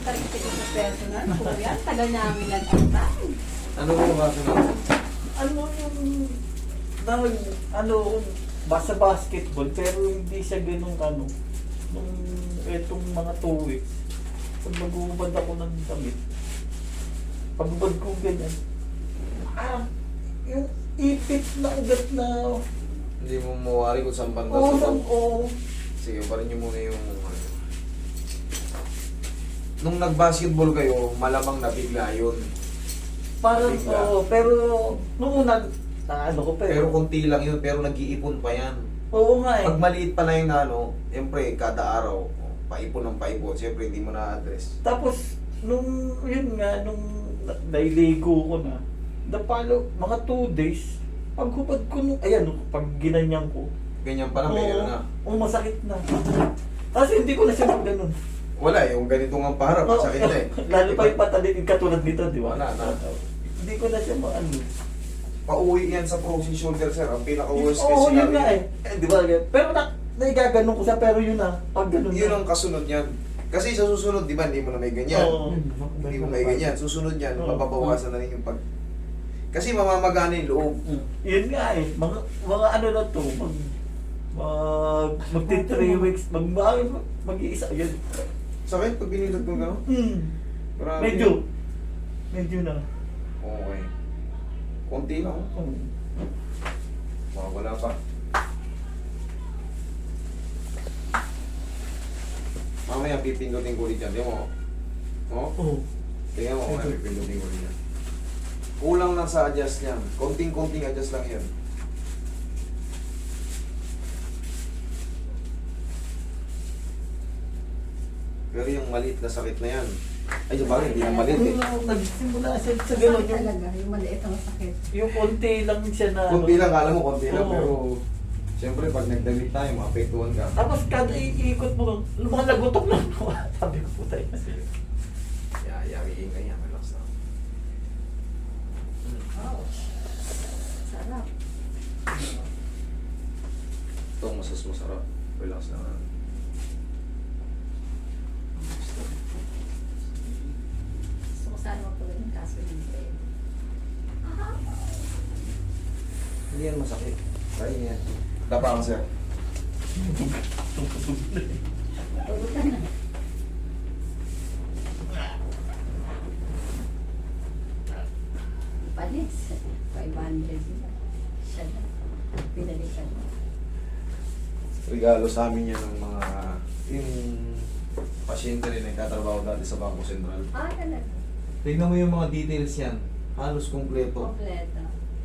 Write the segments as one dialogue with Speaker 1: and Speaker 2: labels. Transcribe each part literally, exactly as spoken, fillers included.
Speaker 1: tayo sa personal. Kuya, tagal namin nag-antay.
Speaker 2: Ano mo yung kaso na?
Speaker 3: Ano yung, na, ano, basta basketball, pero hindi siya ganun ano, nung etong mga two weeks, pag mag-uubad ako ng damit, pag-ubad ko ganyan, ah, yung ipit na ugat na,
Speaker 2: Hindi mo mawari kung saan banda
Speaker 3: oo,
Speaker 2: sa
Speaker 3: oo,
Speaker 2: Sige, parin nyo muna yung... ano. Nung nag-basketball kayo, malamang nabigla yun.
Speaker 3: parang,
Speaker 2: Bigla.
Speaker 3: oo, pero, nung una, na ano ko,
Speaker 2: Pero
Speaker 3: pero,
Speaker 2: konti lang yun, pero nag-iipon pa yan.
Speaker 3: oo nga eh,
Speaker 2: Pag maliit pa na yung ano, siyempre, kada araw, paipon ng paipon, siyempre, hindi mo na-address.
Speaker 3: tapos, nung, yun nga, nung na- nailigo ko na, napalo, mga two days, paghubad ko nung, ayan, pag ginanyan ko,
Speaker 2: Ganyan pa lang, may ano na.
Speaker 3: oo, masakit na. Kasi hindi ko na siya mag ganun.
Speaker 2: Wala, yung ganito nga paharap, masakit na eh.
Speaker 3: Lalo pa yung patalikid katulad nito, di ba?
Speaker 2: Wala na.
Speaker 3: Hindi ko na siya maano.
Speaker 2: Pauwi yan sa frozen shoulder, sir. Ang pinaka-worst
Speaker 3: Oo,
Speaker 2: case
Speaker 3: yun
Speaker 2: scenario.
Speaker 3: nga eh. Eh, di ba? Pero na, naigaganon ko siya, pero yun na. Pag ganun
Speaker 2: Yun
Speaker 3: na.
Speaker 2: ang kasunod yan. Kasi sa susunod, di ba, hindi mo na may ganyan.
Speaker 3: Oo.
Speaker 2: Hindi mo may ganyan. Susunod yan,
Speaker 3: Oo.
Speaker 2: mapabawasan na rin yung pag... Kasi mamamagana yung loob.
Speaker 3: Mm. Yun nga eh. Mga, mga ano na to, mag, mag, magti three weeks, mag, mag, mag-iisa, yun.
Speaker 2: Sakit pag binilad mo gano'n?
Speaker 3: Hmm.
Speaker 2: Grabe.
Speaker 3: Medyo. Medyo na.
Speaker 2: Okay. Konti lang.
Speaker 3: Oh.
Speaker 2: Mga wala pa. Mamaya pipindutin ko ulit yan. Tingnan mo. Oh?
Speaker 3: Oh.
Speaker 2: Tingnan mo, mamaya pipindutin ko ulit yan. Kulang lang sa adjust niyan. Konting-konting adjust lang yan. Pero yung maliit na sakit na yan. Ay, yung bagay, hindi na maliit eh.
Speaker 3: Nung nagsimula siya sa gano'n,
Speaker 1: Sakit
Speaker 3: yung,
Speaker 1: talaga, yung maliit ang sakit.
Speaker 3: yung konti lang siya na
Speaker 2: Konti
Speaker 3: ano.
Speaker 2: lang, kala mo konti lang,
Speaker 3: Oo.
Speaker 2: pero siyempre pag nagdamit tayo, maapektuhan ka.
Speaker 3: Tapos kada iikot mo, mga lagutok lang. Sabi ko po tayo.
Speaker 2: Yeah, yari ka yan, relax lang.
Speaker 1: Wow. Sarap.
Speaker 2: Ito, masas masarap. Relax lang.
Speaker 1: Gusto ko sana magpagod ng kaso hindi pwede.
Speaker 2: Hindi yan masakit. Kaya yan. Dapa ka, sir.
Speaker 1: Tulog ka na. Panis. five hundred sila. Siya na. Pinalikan mo.
Speaker 2: Regalo sa amin yan ng mga yung pasyente rin nagtatrabaho dati sa Bangko Sentral.
Speaker 1: Ah, talaga.
Speaker 2: Tignan mo yung mga details yan. Halos kumpleto.
Speaker 1: Kompleto.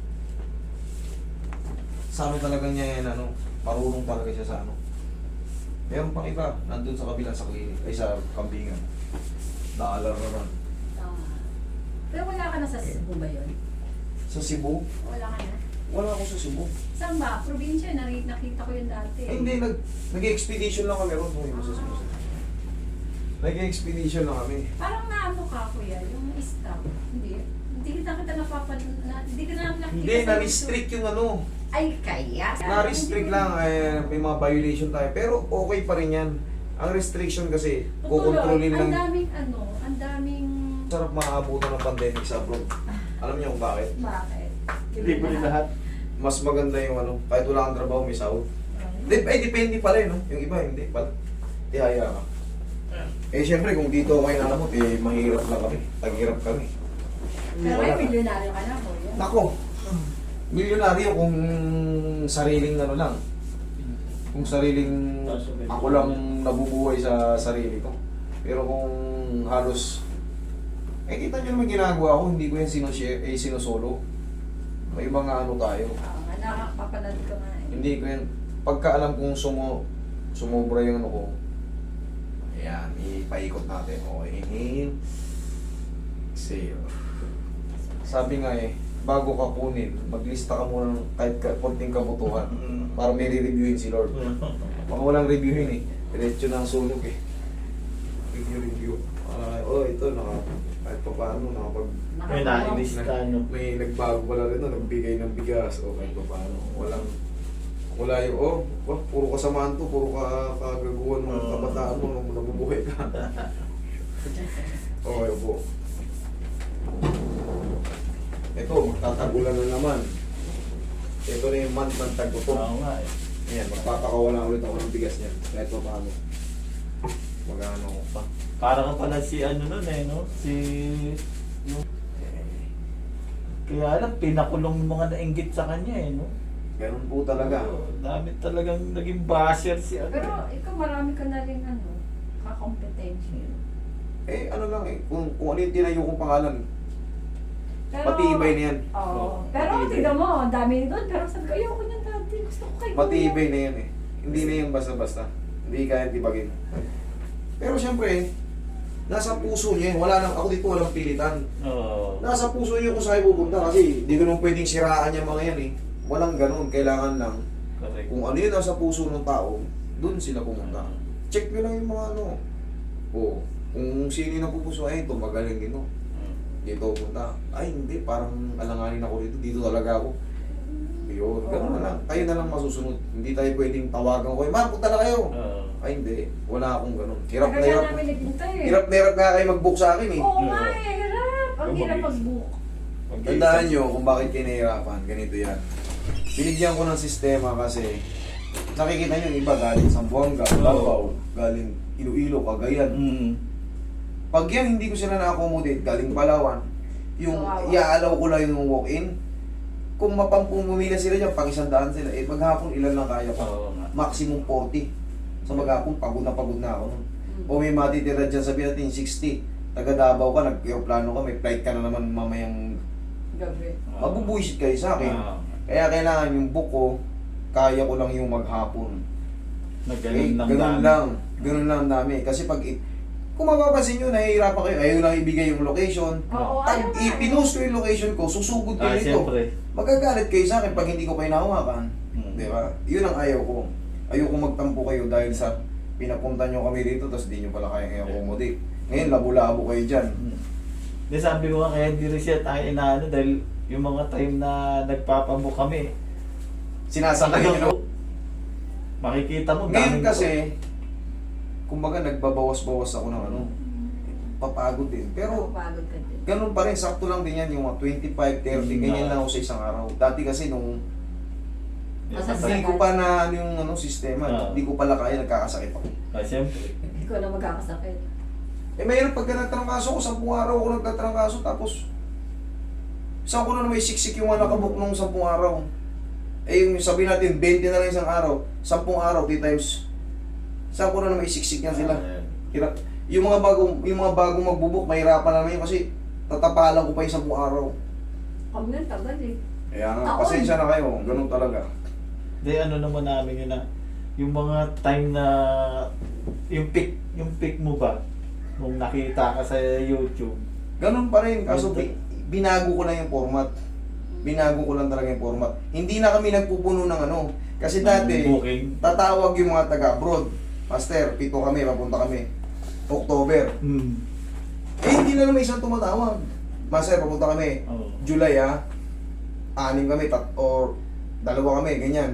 Speaker 2: Sa ano talaga niya yan, ano, marunong talaga siya sa ano. Meron pang iba, nandun sa kabilang sa klinik, ay sa kambingan. Naalar naman.
Speaker 1: Ah. Pero wala ka na sa Cebu ba yun?
Speaker 2: Sa Cebu?
Speaker 1: Wala ka na?
Speaker 2: Wala ako sa Cebu.
Speaker 1: Saan ba? Probinsya, nari- nakita ko yun dati.
Speaker 2: Ay, hindi, nag, nag-expedition lang kami ron. Huwag mo sa Cebu. Nag-expedition lang kami.
Speaker 1: Parang naano ka, kuya, yung staff. Hindi. Hindi kita kita napapad... Na, hindi ka na nakikita
Speaker 2: Hindi,
Speaker 1: sa
Speaker 2: na-restrict yung ano.
Speaker 1: YouTube. Ay, kaya.
Speaker 2: Na-restrict lang, eh, may mga violation tayo. Pero okay pa rin yan. Ang restriction kasi, kukontrolin
Speaker 1: Ang
Speaker 2: lang.
Speaker 1: daming ano, ang daming...
Speaker 2: Sarap makaabutan ng pandemic sa abroad. Alam niyo kung bakit?
Speaker 1: Bakit?
Speaker 3: Libre lahat.
Speaker 2: Mas maganda yung ano, kahit wala kang trabaho, may sahod. Dep eh, depende pala eh, no? Yung iba, hindi pala. Tihaya ka. Eh, syempre, kung dito ako kayo nalamot, eh, mahirap lang kami. Taghirap kami.
Speaker 1: Pero
Speaker 2: Wala
Speaker 1: may
Speaker 2: na.
Speaker 1: milyonaryo ka na, kuya.
Speaker 2: Nako, milyonaryo kung sariling ano lang. Kung sariling, ako lang nabubuhay sa sarili ko. Pero kung halos, eh kita nyo naman ginagawa ko, hindi ko yan sinushare, eh sinusolo. May mga ano tayo.
Speaker 1: Oo nga, nakakapanood ko nga eh.
Speaker 2: Hindi ko yan, pagka alam kong sumo, sumobra yung ano ko, ayan, ipaikot natin. Okay, inhale, exhale. Sabi nga eh, bago ka kunin, maglista ka muna ng kahit ka, konting kabutuhan para may re-reviewin si Lord. Baka walang reviewin eh, diretso na ang sunog eh. Review, review. Ah, oh, ito, naka, kahit pa paano, nakapag,
Speaker 3: May nainis ka, no?
Speaker 2: may nagbago pala rin, no? Nagbigay ng bigas, o kahit pa paano, walang, wala yung, oh, wah, puro kasamaan to, puro ka, kagaguhan ng
Speaker 3: Oo.
Speaker 2: kabataan mo, nung nabubuhay ka. po. Ito, magtatagulan na naman. Ito na yung month ng tagpo.
Speaker 3: Oo nga eh.
Speaker 2: Ayan, magpapakawalan ulit ako ng bigas niyan. Kahit pa paano. Mag-ano ko pa.
Speaker 3: Para ka pala si ano nun eh, no? Si... No? Kaya lang, pinakulong yung mga nainggit sa kanya eh, no?
Speaker 2: Ganun po talaga.
Speaker 3: Oo, dami talagang naging basher si ano.
Speaker 1: Pero ikaw marami ka na rin ano, kakompetensya.
Speaker 2: Eh, ano lang eh. Kung, kung ano yung tinayo kong pangalan,
Speaker 1: Pero,
Speaker 2: matibay na yan.
Speaker 1: Oo.
Speaker 2: Oo,
Speaker 1: Pero
Speaker 2: matibay.
Speaker 1: tignan mo, ang dami doon. Pero sabi ko, ayoko niyan dati. Gusto ko kay
Speaker 2: Matibay na yan eh. Hindi na yan basta-basta. Hindi kaya tibagin. Pero syempre, nasa puso niya yan. Wala nang, ako dito walang pilitan.
Speaker 3: Oo.
Speaker 2: Nasa puso niyo kung saan pupunta kasi di ko nung pwedeng siraan yung mga yan eh. Walang ganun. Kailangan lang
Speaker 3: Correct.
Speaker 2: kung ano yun nasa puso ng tao, dun sila pumunta. Check nyo lang yung mga ano. O, kung sino yung napupuso, ay ito magaling dito.
Speaker 3: Mm.
Speaker 2: Dito punta. Ay hindi, parang alanganin ako dito. Dito talaga ako. Yun, ganun na lang. Tayo na lang masusunod. Hindi tayo pwedeng tawagan ko. Ma'am, punta na kayo.
Speaker 3: Oo.
Speaker 2: Ay hindi, wala akong ganun. Hirap na
Speaker 1: Kaya
Speaker 2: hirap.
Speaker 1: namin naghintay eh.
Speaker 2: Hirap na hirap nga kayo mag-book sa akin eh.
Speaker 1: Oo nga eh, hirap. Ang hirap mag-book.
Speaker 2: Tandaan nyo kung bakit kayo nahihirapan. Ganito yan. Binigyan ko ng sistema kasi nakikita nyo yung iba galing Zamboanga, Davao, galing Iloilo, Cagayan.
Speaker 3: Mm.
Speaker 2: Pag yan hindi ko sila na-accommodate, galing Palawan, yung
Speaker 1: Kawawa.
Speaker 2: iaalaw ko lang yung walk-in, kung mapampumumila sila dyan, pag isang daan sila, eh maghapon ilan lang kaya pa?
Speaker 3: Oo nga.
Speaker 2: Maximum forty. So maghapon, pagod na pagod na ako nun.
Speaker 1: Mm.
Speaker 2: O may matitira dyan, sabihin natin sixty. Taga Davao ka, nag-aeroplano ka, may flight ka na naman mamayang
Speaker 1: Gabi.
Speaker 2: mabubuisit kayo sa akin.
Speaker 3: Oo.
Speaker 2: Kaya kailangan yung book ko, kaya ko lang yung maghapon.
Speaker 3: Na
Speaker 2: Eh,
Speaker 3: ganun lang
Speaker 2: ganun
Speaker 3: dami.
Speaker 2: lang. Ganun lang ang dami. Kasi pag, i- kung mapapansin nyo, nahihirapan kayo, ayaw lang ibigay yung location.
Speaker 1: Oo,
Speaker 2: Pag
Speaker 1: ayaw nga eh.
Speaker 2: ipinost ko yung location ko, susugod
Speaker 3: Ah,
Speaker 2: kayo ito.
Speaker 3: siyempre.
Speaker 2: Magagalit kayo sa akin pag hindi ko kayo nahawakan.
Speaker 3: Hmm.
Speaker 2: Di ba? Yun ang ayaw ko. Ayoko magtampo kayo dahil sa pinapunta nyo kami dito tapos di nyo pala kaya i-accommodate. Ngayon, labo-labo kayo dyan.
Speaker 3: Hmm. Di sabi ko nga kaya hindi rin siya tayo inaano dahil yung mga time na nagpapamuk kami.
Speaker 2: Sinasakay nyo. no?
Speaker 3: Makikita mo.
Speaker 2: Ngayon
Speaker 3: daming-
Speaker 2: kasi, kumbaga nagbabawas-bawas ako ng ano, papagod din. Pero,
Speaker 1: Pagod ka din.
Speaker 2: ganun pa rin, sakto lang din yan, yung mga twenty-five, thirty,
Speaker 3: Mm,
Speaker 2: ganyan
Speaker 3: ah.
Speaker 2: lang ako sa isang araw. Dati kasi nung
Speaker 1: Masasakit.
Speaker 2: hindi ko pa na ano yung ano, sistema,
Speaker 3: Ah.
Speaker 2: hindi ko pala kaya, nagkakasakit ako.
Speaker 3: Ah, siyempre.
Speaker 1: Hindi ko na magkakasakit.
Speaker 2: Eh mayroon pagka nagtrangkaso ko, sampung araw ako nagtatrangkaso, tapos saan ko na may siksik yung mga nakabuk nung sampung araw. Eh yung sabihin natin, twenty na lang isang araw, sampung araw, three times. Saan ko na may siksik yan sila.
Speaker 3: Ah,
Speaker 2: Hirap. Yung mga bagong, yung mga bagong magbubuk, mahirapan naman yun kasi tatapalan ko pa yung sampung araw.
Speaker 1: Huwag na, tagal eh.
Speaker 2: Kaya nga,
Speaker 1: Taon.
Speaker 2: pasensya na kayo, ganun talaga.
Speaker 3: Di ano naman namin yun na yung mga time na yung pick yung pick mo ba nung nakita ka sa YouTube.
Speaker 2: Ganun pa rin, kaso
Speaker 3: Ganun.
Speaker 2: bi- binago ko lang yung format. Binago ko lang talaga yung format. Hindi na kami nagpupuno ng ano. Kasi dati,
Speaker 3: Booking.
Speaker 2: tatawag yung mga taga-abroad. Master, pito kami, papunta kami. October.
Speaker 3: Hmm.
Speaker 2: Eh, hindi na naman isang tumatawag. Master, papunta kami.
Speaker 3: Oo.
Speaker 2: July ah. Anim kami, tat or dalawa kami, ganyan.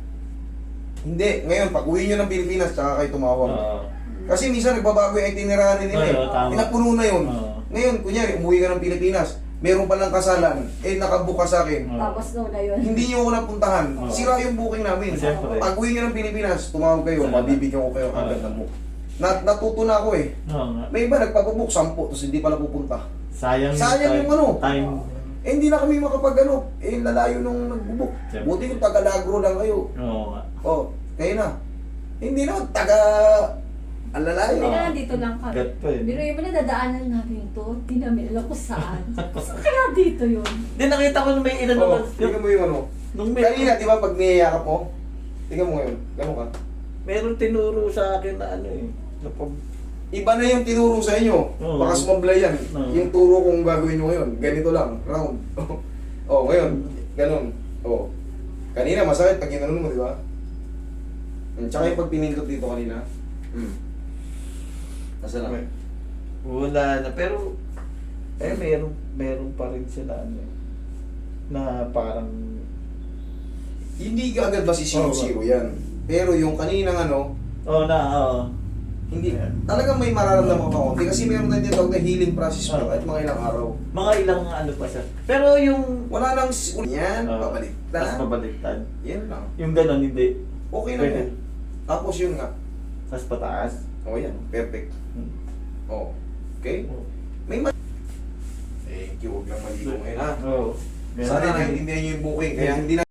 Speaker 2: Hindi, ngayon, pag uwi nyo ng Pilipinas, tsaka kayo tumawag.
Speaker 3: Oo.
Speaker 2: Kasi minsan nagbabago yung itinerary nila eh.
Speaker 3: Oo, tama.
Speaker 2: Pinapuno na yun.
Speaker 3: Oo.
Speaker 2: Ngayon, kunyari, umuwi ka ng Pilipinas, meron palang kasalan, eh nakabook ka sa akin.
Speaker 3: Oo.
Speaker 1: Tapos no na yun.
Speaker 2: Hindi nyo ako napuntahan.
Speaker 3: Oo.
Speaker 2: Sira yung booking namin.
Speaker 3: Siyempre.
Speaker 2: Pag uwi nyo ng Pilipinas, tumawag kayo,
Speaker 3: Salamat.
Speaker 2: mabibigyan ko kayo agad
Speaker 3: Oo.
Speaker 2: ng book. Nat natuto na ako eh.
Speaker 3: Oo nga.
Speaker 2: May iba nagpapabook, sampu, tapos hindi pala pupunta.
Speaker 3: Sayang,
Speaker 2: Sayang yung ano.
Speaker 3: time.
Speaker 2: Eh hindi na kami makapag ano, eh lalayo nung nagbubook.
Speaker 3: Siyempre.
Speaker 2: Buti kung taga-Lagro lang kayo.
Speaker 3: Oo nga.
Speaker 2: Oh, kayo na. Hindi na, taga... Ang lalayo.
Speaker 1: Hindi na, dito lang kami.
Speaker 3: Gat pa eh.
Speaker 1: Pero yung mga dadaanan namin to, di namin alam kung saan. Saan kaya dito yun?
Speaker 3: Di nakita ko na may ilan
Speaker 2: Oh,
Speaker 3: naman.
Speaker 2: tingnan mo yung ano.
Speaker 3: Nung may,
Speaker 2: Kanina, di ba, pag niyayakap mo, tingnan mo ngayon, gano'n ka.
Speaker 3: meron tinuro sa akin na ano eh. Na pag,
Speaker 2: Iba na yung tinuro sa inyo.
Speaker 3: Oo.
Speaker 2: Baka sumablay yan.
Speaker 3: Oo.
Speaker 2: Yung turo kong gagawin nyo ngayon, ganito lang, round. Oh, ngayon, ganun. Oh. Kanina, masakit pag ginanon mo, di ba? Hmm, tsaka yung pag pinindot dito kanina. Hmm. Nasa lang.
Speaker 3: wala na. Pero, eh, meron, meron pa rin sila ano eh. Na parang,
Speaker 2: Hindi ka agad basi zero zero yan. Pero yung kaninang ano,
Speaker 3: oh na, oo.
Speaker 2: Hindi,
Speaker 3: Ayan.
Speaker 2: talagang may mararamdaman ka konti kasi meron tayong tinatawag na healing process mo
Speaker 3: Oo.
Speaker 2: kahit mga ilang araw.
Speaker 3: Mga ilang ano pa siya. Pero yung...
Speaker 2: Wala nang s- yan,
Speaker 3: Oo.
Speaker 2: babalik
Speaker 3: Tapos
Speaker 2: na.
Speaker 3: pabaliktad.
Speaker 2: Yan lang.
Speaker 3: Yung ganon, hindi.
Speaker 2: Okay na
Speaker 3: Pwede.
Speaker 2: yan. Tapos yun nga.
Speaker 3: Tapos pataas.
Speaker 2: O yan, perfect.
Speaker 3: Hmm.
Speaker 2: O, okay? May ma... Thank you, huwag lang maligo ngayon ha.
Speaker 3: Oo.
Speaker 2: Sana naiintindihan niyo yung booking, kaya hindi na